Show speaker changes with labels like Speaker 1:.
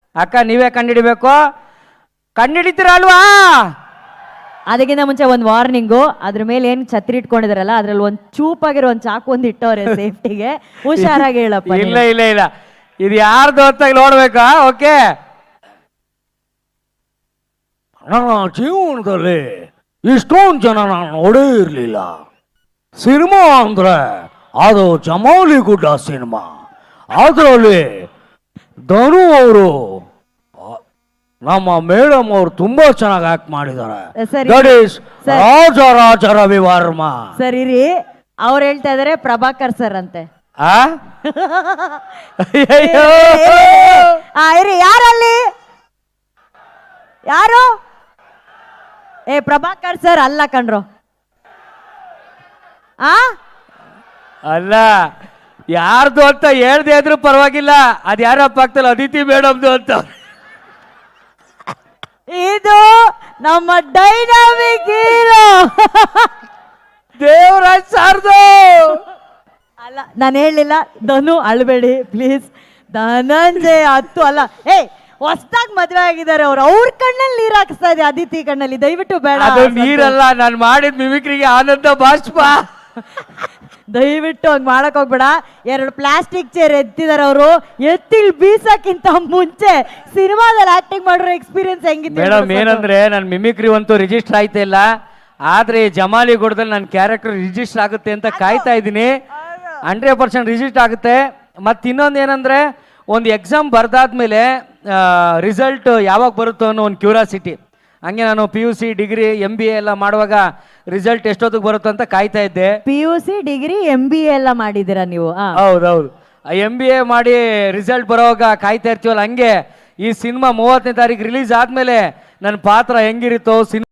Speaker 1: ಅಕ್ಕ ನೀವೇ ಕಂಡಿಡಿಬೇಕು. ಕಂಡಿಡಿತೀರ ಅಲ್ವಾ?
Speaker 2: ಅದಕ್ಕಿಂತ ಮುಂಚೆ ಒಂದು ವಾರ್ನಿಂಗು, ಅದ್ರ ಮೇಲೆ ಏನು ಛತ್ರಿ ಇಟ್ಕೊಂಡಿದಾರಲ್ಲ ಅದ್ರಲ್ಲಿ ಒಂದು ಚೂಪಾಗಿರೋ ಒಂದು ಚಾಕು ಒಂದು ಇಟ್ಟವ್ರೆ ಸೇಫ್ಟಿಗೆ. ಹುಷಾರಾಗಿ ಹೇಳಪ್ಪ.
Speaker 1: ಇಲ್ಲ ಇಲ್ಲ ಇಲ್ಲ, ಇದು ಯಾರ್ದು ಅಂತ ನೋಡ್ಬೇಕಾ? ಓಕೆ. ನನ್ನ ಜೀವನದಲ್ಲಿ ಇಷ್ಟೊಂದು ಜನ ನಾನು ನೋಡೇ ಇರಲಿಲ್ಲ. ಸಿನಿಮಾ ಅಂದ್ರೆ ಅದು ಜಮಾಲಿ ಗುಡ್ಡ ಸಿನಿಮಾ. ಅದರಲ್ಲಿ ಧನು ಅವರು, ನಮ್ಮ ಮೇಡಮ್ ಅವರು ತುಂಬಾ ಚೆನ್ನಾಗಿ ಆಕ್ಟ್ ಮಾಡಿದ್ದಾರೆ. That is Raja Ravi Varma.
Speaker 2: ಸರಿ ರೀ, ಅವ್ರು ಹೇಳ್ತಾ ಇದಾರೆ ಪ್ರಭಾಕರ್ ಸರ್ ಅಂತೆ. ಇರಿ, ಯಾರಲ್ಲಿ ಯಾರು? ಪ್ರಭಾಕರ್ ಸರ್ ಅಲ್ಲ ಕಣ್ರು.
Speaker 1: ಅಲ್ಲ, ಯಾರ್ದು ಅಂತ ಹೇಳ್ದೆ ಇದ್ರು ಪರವಾಗಿಲ್ಲ. ಅದ್ ಯಾರಪ್ಪ ಆಗ್ತಲ್ಲ, ಅದಿತಿ ಮೇಡಮ್ದು ಅಂತ.
Speaker 2: ಇದು ನಮ್ಮ ಡೈನಾಮಿಕ್ ಹೀರೋ
Speaker 1: ದೇವರಾಜ್ ಸಾರ್ದು.
Speaker 2: ಅಲ್ಲ, ನಾನು ಹೇಳಲಿಲ್ಲ. ಧನು ಅಳ್ಬೇಡಿ ಪ್ಲೀಸ್. ಧನಂಜಯ ಹತ್ತು ಅಲ್ಲ. ಹೊಸದಾಗಿ ಮದುವೆ ಆಗಿದ್ದಾರೆ ಅವ್ರು. ಅವ್ರ ಕಣ್ಣಲ್ಲಿ ನೀರ್ ಹಾಕಿಸ್ತಾ ಇದೆ ಅದಿತಿ ಕಣ್ಣಲ್ಲಿ. ದಯವಿಟ್ಟು ಬೇಡ.
Speaker 1: ಅದು ನೀರಲ್ಲ, ನಾನು ಮಾಡಿದ ಮಿಮಿಕ್ರಿಗೆ ಆನಂದ ಬಾಷ್ಪ.
Speaker 2: ದಯವಿಟ್ಟು ಹಂಗ್ ಮಾಡಕ್ ಹೋಗ್ಬೇಡ. 2 ಪ್ಲಾಸ್ಟಿಕ್ ಚೇರ್ ಎತ್ತಿದಾರೆ ಅವರು. ಎತ್ತಿಲ್ ಬೀಸಕ್ಕಿಂತ ಮುಂಚೆ ಸಿನಿಮಾದಲ್ಲಿ ಆಕ್ಟಿಂಗ್ ಮಾಡಿರೋ ಎಕ್ಸ್ಪೀರಿಯನ್ಸ್ ಹೆಂಗಿತ್ತು
Speaker 1: ಮೇಡಮ್? ಏನಂದ್ರೆ ನನ್ನ ಮಿಮಿಕ್ರಿ ಅಂತೂ ರಿಜಿಸ್ಟರ್ ಆಯ್ತಾ ಇಲ್ಲ, ಆದ್ರೆ ಜಮಾಲಿ ಗುಡ್ಡದಲ್ಲಿ ನನ್ನ ಕ್ಯಾರೆಕ್ಟರ್ ರಿಜಿಸ್ಟರ್ ಆಗುತ್ತೆ ಅಂತ ಕಾಯ್ತಾ ಇದ್ದೀನಿ. 100% ರಿಜಿಸ್ಟರ್ ಆಗುತ್ತೆ. ಮತ್ತೆ ಇನ್ನೊಂದು ಏನಂದ್ರೆ, ಒಂದು ಎಕ್ಸಾಮ್ ಬರ್ದಾದ್ಮೇಲೆ ರಿಸಲ್ಟ್ ಯಾವಾಗ ಬರುತ್ತೋ ಅನ್ನೋ ಒಂದು ಕ್ಯೂರಿಯಾಸಿಟಿ. ಹಂಗೆ ನಾನು PUC ಡಿಗ್ರಿ MBA ಎಲ್ಲ ಮಾಡುವಾಗ ರಿಸಲ್ಟ್ ಎಷ್ಟೊತ್ತಿಗೆ ಬರುತ್ತೋ ಅಂತ ಕಾಯ್ತಾ ಇದ್ದೆ.
Speaker 2: PUC ಡಿಗ್ರಿ MBA ಎಲ್ಲ ಮಾಡಿದ್ದೀರಾ ನೀವು?
Speaker 1: ಹೌದೌದು. MBA ಮಾಡಿ ರಿಸಲ್ಟ್ ಬರೋವಾಗ ಕಾಯ್ತಾ ಇರ್ತೀವಲ್ಲ, ಹಂಗೆ ಈ ಸಿನಿಮಾ 30ನೇ ತಾರೀಕು ರಿಲೀಸ್ ಆದ್ಮೇಲೆ ನನ್ನ ಪಾತ್ರ ಹೆಂಗಿರುತ್ತೋ